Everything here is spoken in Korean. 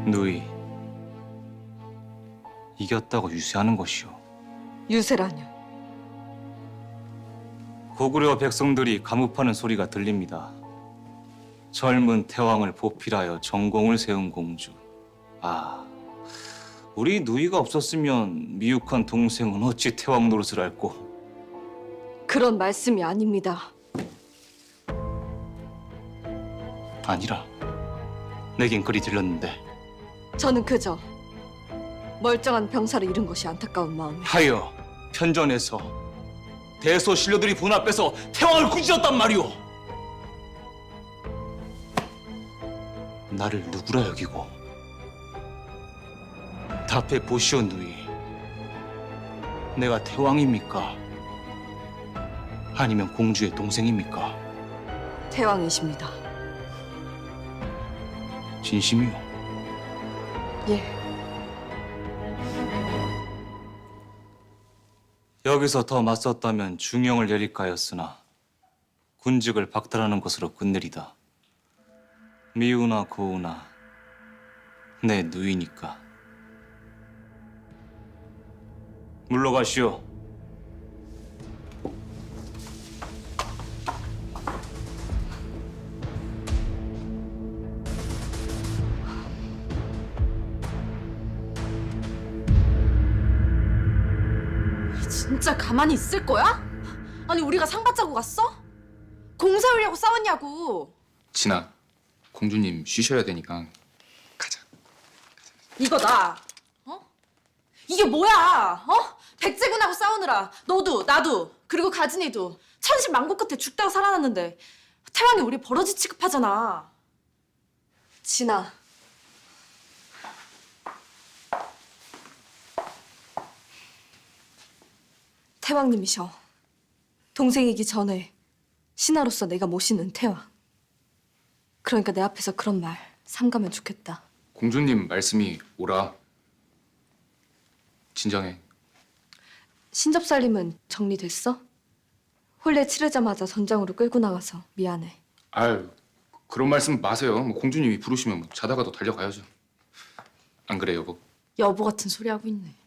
누이, 이겼다고 유세하는 것이오. 유세라뇨. 고구려 백성들이 감읍하는 소리가 들립니다. 젊은 태왕을 보필하여 전공을 세운 공주. 아, 우리 누이가 없었으면 미육한 동생은 어찌 태왕 노릇을 앓고. 그런 말씀이 아닙니다. 아니라, 내겐 그리 들렸는데. 저는 그저 멀쩡한 병사를 잃은 것이 안타까운 마음에 하여 편전에서 대소 신료들이 본 앞에서 태왕을 꾸짖었단 말이오. 나를 누구라 여기고 답해 보시오 누이. 내가 태왕입니까? 아니면 공주의 동생입니까? 태왕이십니다. 진심이오. 예. 여기서 더 맞섰다면 중형을 내릴까 하였으나 군직을 박탈하는 것으로 끝내리다. 미우나 고우나 내 누이니까. 물러가시오. 진짜 가만히 있을 거야? 아니 우리가 상 받자고 갔어? 공 세우려고 싸웠냐고. 진아, 공주님 쉬셔야 되니까 가자. 이거다. 어? 이게 뭐야? 어? 백제군하고 싸우느라 너도 나도 그리고 가진이도 천신만고 끝에 죽다가 살아났는데 태왕이 우리 버러지 취급하잖아. 진아. 태왕님이셔. 동생이기 전에 신하로서 내가 모시는 태왕. 그러니까 내 앞에서 그런 말 삼가면 좋겠다. 공주님 말씀이 옳아. 진정해. 신접살림은 정리됐어? 혼례 치르자마자 전장으로 끌고 나가서 미안해. 아유, 그런 말씀 마세요. 뭐 공주님이 부르시면 뭐 자다가도 달려가야죠. 안 그래, 여보? 여보 같은 소리 하고 있네.